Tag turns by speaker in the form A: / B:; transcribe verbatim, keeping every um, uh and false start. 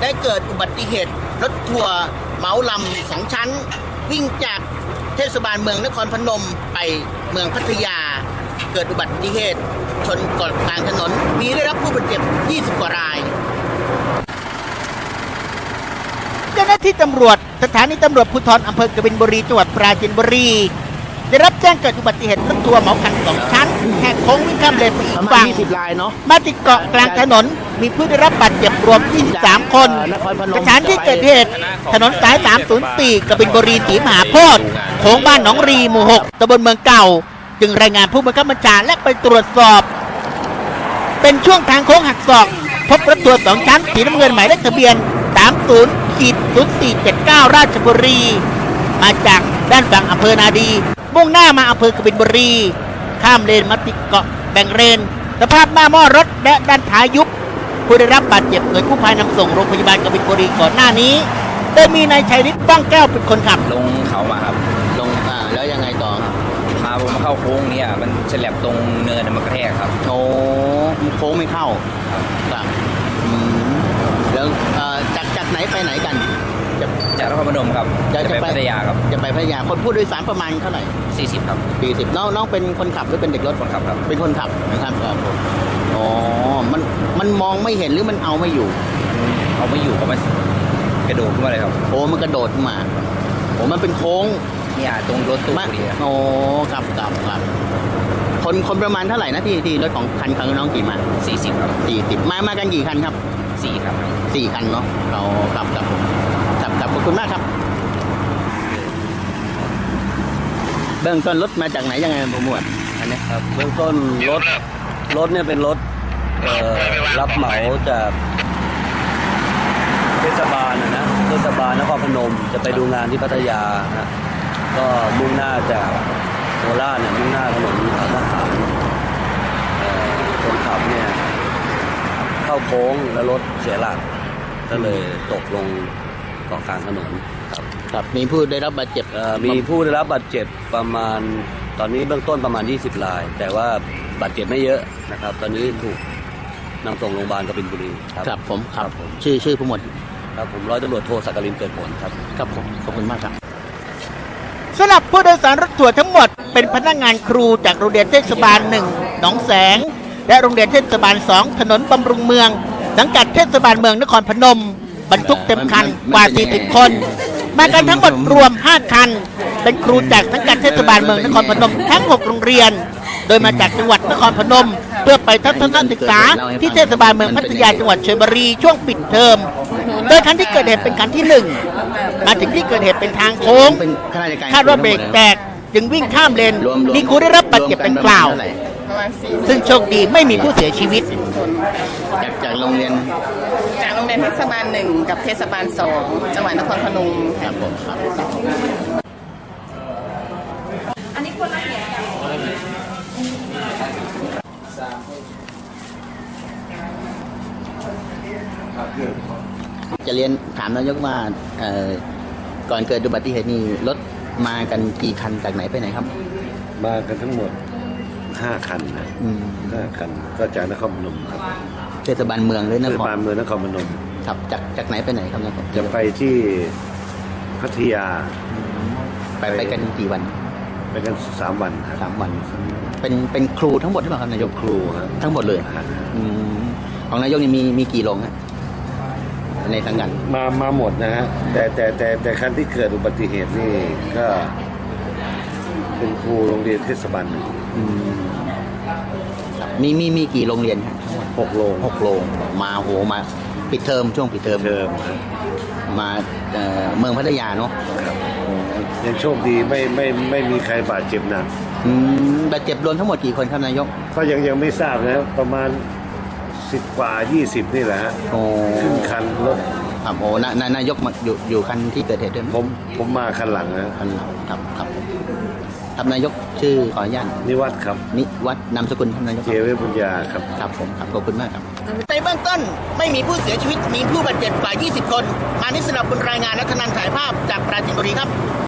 A: ได้เกิดอุบัติเหตุรถทัวร์เหมาลำสองชั้นวิ่งจากเทศบาลเมืองนครพนมไปเมืองพัทยาเกิดอุบัติเหตุชนเกาะกลางถนนมีได้รับผู้บาดเจ็บยี่สิบกว่ารายเจ้าหน้าที่ตำรวจสถานีตำรวจภูธรอำเภอกบินบุรีจังหวัดปราจีนบุรีได้รับแจ้งเกิดอุบัติเหตุรถทัวร์เหมาคันสองชั้นแหกโค้งวิ่งข้ามเลนไปอีกฝั่งมาติดเกาะกลางถนนมีผู้ได้รับบาดเจ็บรวมยี่สิบสามคนสถานที่เกิดเหตุถนนสายสามศูนย์สี่กบินบุรีศรีมหาโพธิ์โค้งบ้านหนองรีหมู่หกตำบลเมืองเก่าจึงรายงานผู้บังคับบัญชาและไปตรวจสอบเป็นช่วงทางโค้งหักศอกพบรถทัวร์สองชั้นสีน้ำเงินหมายเลขทะเบียนสามศูนย์ ศูนย์สี่เจ็ดเก้าราชบุรีมาจากด้านฝั่งอำเภอนาดีมุ่งหน้ามาอำเภอกบินบุรีข้ามเลนมาติดเกาะแบ่งเลนสภาพหน้าหม้อรถและด้านท้ายยุบผู้ได้รับบาดเจ็บโดยกู้ภัยนำส่งโรงพยาบาลกบินบุรีก่อนหน้านี้โดยมีนายชัยฤทธิ์ป้องแก้วเป็นคนขับ
B: ลงเขามาครับ
A: ลงอ่าแล้วยังไงต่อ
B: พาผมมาเข้าโค้งเนี่ยมันฉลับตรงเนินมันกระแทกครับ
A: โอ้โค้งไม่เข้าครับแล้วจากจากไหนไปไหนกัน
B: จากนครพนมครับ
A: จะไปพัทยา
B: ครับ
A: จะไปพัทยาคนผู้โดยสารประมาณเท่าไหร่
B: สี่สิบครับ
A: สี่สิบน้องน้องเป็นคนขับหรือเป็นเด็กรถ
B: คนขับครับ
A: เป็นคนขับนะครับอ๋อมันมันมองไม่เห็นหรือมันเอาไม่อยู่
B: เอาไม่อยู่ก็มันกระโดดขึ้นมาเลยครับ
A: โอ้มันกระโดดมาโอ้มันเป็นโค้ง
B: เนี่ยตรงรถตู้พอดี
A: โอ้ครับครับครับคนคนประมาณเท่าไหร่นะที่ที่รถของคันของน้องกี่มา
B: สี่สิบครับ
A: สี่สิบมามากันกี่คันครับ
B: สี่ครับ
A: สี่คันเนาะเรากลับกับผมกลับกับขอบคุณมากครับเบื้องต้นรถมาจากไหนยังไงผมหมวดอันนี้
C: ครับเบื้องต้นรถรถเนี่ยเป็นรถรับเหมาจากเทศบาลนะนะเทศบาลนครพนมจะไปดูงานที่พัทยานะก็มุ่งหน้าจากโคราชเนี่ยมุ่งหน้าถนนทหารคนขับเนี่ยเข้าโค้งแล้วรถเสียหลักก็เลยตกลงเกาะกลางถนนครับ
A: ครับมีผู้ได้รับบาดเจ็บ
C: มีผู้ได้รับบาดเจ็บประมาณตอนนี้เบื้องต้นประมาณยี่สิบรายแต่ว่าบาดเจ็บไม่เยอะนะครับตอนนี้ถูกนำส่งโรงพยาบาลกบินบุรี
A: ครับครับผมครับผมชื่อชื่อผู้หมวด
C: ครับผมร้อยตำรวจโทสักกลินเกิดผลครับ
A: ครับผมขอบคุณมากครับสำหรับผู้โดยสารรถทัวร์ทั้งหมดเป็นพนักงานครูจากโรงเรียนเทศบาลหนึ่งหนองแสงและโรงเรียนเทศบาลสองถนนบำรุงเมืองสังกัดเทศบาลเมืองนครพนมบรรทุกเต็มคันกว่าสี่สิบคนมากันทั้งหมดรวมห้าคันเป็นครูจากสังกัดเทศบาลเมืองนครพนมทั้งหกโรงเรียนโดยมาจากจังหวัดนครพนมเพื่อไปทัศนศึกษาที่เทศบาลเมืองพัทยาจังหวัดชลบุรีช่วงปิดเทอมโดยคันที่เกิดเหตุเป็นคันที่หนึ่งมาถึงที่เกิดเหตุเป็นทางโค้งคาดว่าเบรกแตกจึงวิ่งข้ามเลนมีครูได้รับบาดเจ็บดังกล่าวซึ่งโชคดีไม่มีผู้เสียชีวิตจากจากโรงเรียน
D: จากโรงเรียนเทศบาลหนึ่งกับเทศบาลสองจังหวัดนครพนม
A: ครับผมครับ
D: อันนี้คนละเอียด
A: จะเรียนถามนายกว่าก่อนเกิดอุบัติเหตุนี้รถมากันกี่คันจากไหนไปไหนครับ
C: มากันทั้งหมดห้าคันนะห้าคันก็จากนครพนมครับ
A: เทศบาลเมืองเลยนะ
C: เทศบาลเมืองนครพนม
A: ครับจากจากไหนไปไหนครับนะครับ
C: จะไปที่พัทยา
A: ไปไปกันกี่วัน
C: ไปกันสามวัน
A: สามวันเป็นเป็นครูทั้งหมดหรือเปล่าครับนายก
C: ครูครับ
A: ทั้งหมดเลยของนายกนี่มีมีกี่โรงฮะในสังกัด
C: มามาหมดนะฮะแต่แต่แต่แต่คันที่เกิดอุบัติเหตุนี่ก็เป็นครูโรงเรียนเทศบาลหนึ่ง
A: มีมีมีกี่โรงเรียน
C: หกโรง
A: หกโรงมาโหมาปิดเทอมช่วงปิดเทอม
C: เทอม
A: มาเมืองพัทยาเนาะ
C: ยังโชคดีไม่ไม่ไม่มีใครบาดเจ็บหนัก
A: บาดเจ็บรวมทั้งหมดกี่คนครับนายก
C: ก็ยังยังไม่ทราบนะประมาณสิบกว่ายี่สิบนี่แหละฮะขึ้นคันรถ
A: ครับโอ้นายยกมาอยู่อยู่คันที่เกิดเหตุด้วย
C: ผมผมมาคันหลังนะ
A: คันหลังครับครับครับนายกชื่อขออนุญาต
C: นิวัฒน์ครับ
A: นิวัฒน์นามสกุลท่านนายก
C: เจเวบุญญาครับ
A: ครับผมครับขอบคุณมากครับในเบื้องต้นไม่มีผู้เสียชีวิตมีผู้บาดเจ็บกว่ายี่สิบคนมานิสนับบนรายงานนัทนันถ่ายภาพจากปราจีนบุรีครับ